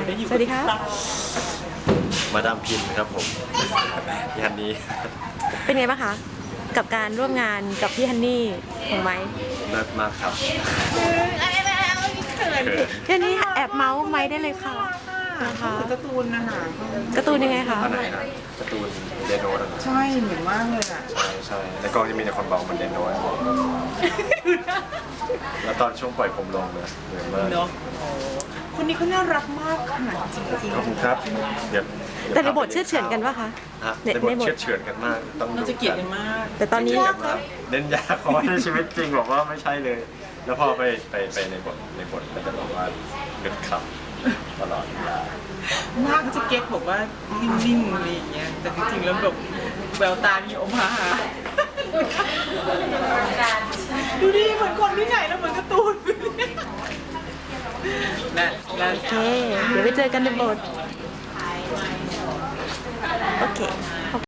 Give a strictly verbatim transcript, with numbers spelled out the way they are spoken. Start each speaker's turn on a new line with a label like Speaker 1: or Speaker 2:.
Speaker 1: สวัสดีครับ
Speaker 2: มาดามพิมพ์ครับผมพี่ฮันนี่
Speaker 1: เป็นไงบ้างคะ กับการร่วมงานกับพี่ฮันนี่ของไม้
Speaker 2: เลิศมากครับ
Speaker 3: เขิน
Speaker 2: เขิน
Speaker 1: พี่ฮันนี่แอบเมาส์ไม้ได้เลยค่ะนะคะ
Speaker 3: เหมือนการ์ตูนนะคะ
Speaker 1: การ์ตูนยังไงคะ
Speaker 2: อันไหนนะการ์ตูนเดโนนะ
Speaker 3: ใช่เหมือนมากเลยอ่ะ
Speaker 2: ใช่ใช่ในกล้องจะมีแต่คนบอกเหมันเดโนแล้วตอนช่วงปล่อยผมลงเนี่ยเหมือนมาก
Speaker 3: เนาะคนนี้เขาน่ารักมากค่ะจริง
Speaker 2: ขอบคุณครับเดี๋ยว
Speaker 1: แต่ในบทเชื่อเฉือนกันปะคะ
Speaker 2: ฮะ
Speaker 1: ใน
Speaker 2: ในบท
Speaker 1: ในบท
Speaker 2: เชื่อเฉือนกันมากต้อง
Speaker 3: ๆเรา
Speaker 2: ดู
Speaker 3: จะเกลียดกันมาก
Speaker 1: แต่ตอนนี้
Speaker 2: เชื่ดกันมากเน้นยาเพราะว่าในชีวิตจริงบอกว่าไม่ใช่เลย แล้วพอไปไปไปในบทในบทก็จะบอกว่าหยุดขับตลอดเวลา
Speaker 3: หน้าเขาจะเก๊กบอกว่านิ่งๆอะไรอย่างเงี้ยแต่จริงๆแล้วแบบแววตามีอมหาดูดิเหมือนคนที่ไหนแล้วเหมือนการ์ตูนนั่นนั่น
Speaker 1: โอเค เดี๋ยวไปเจอกันในบท โอเค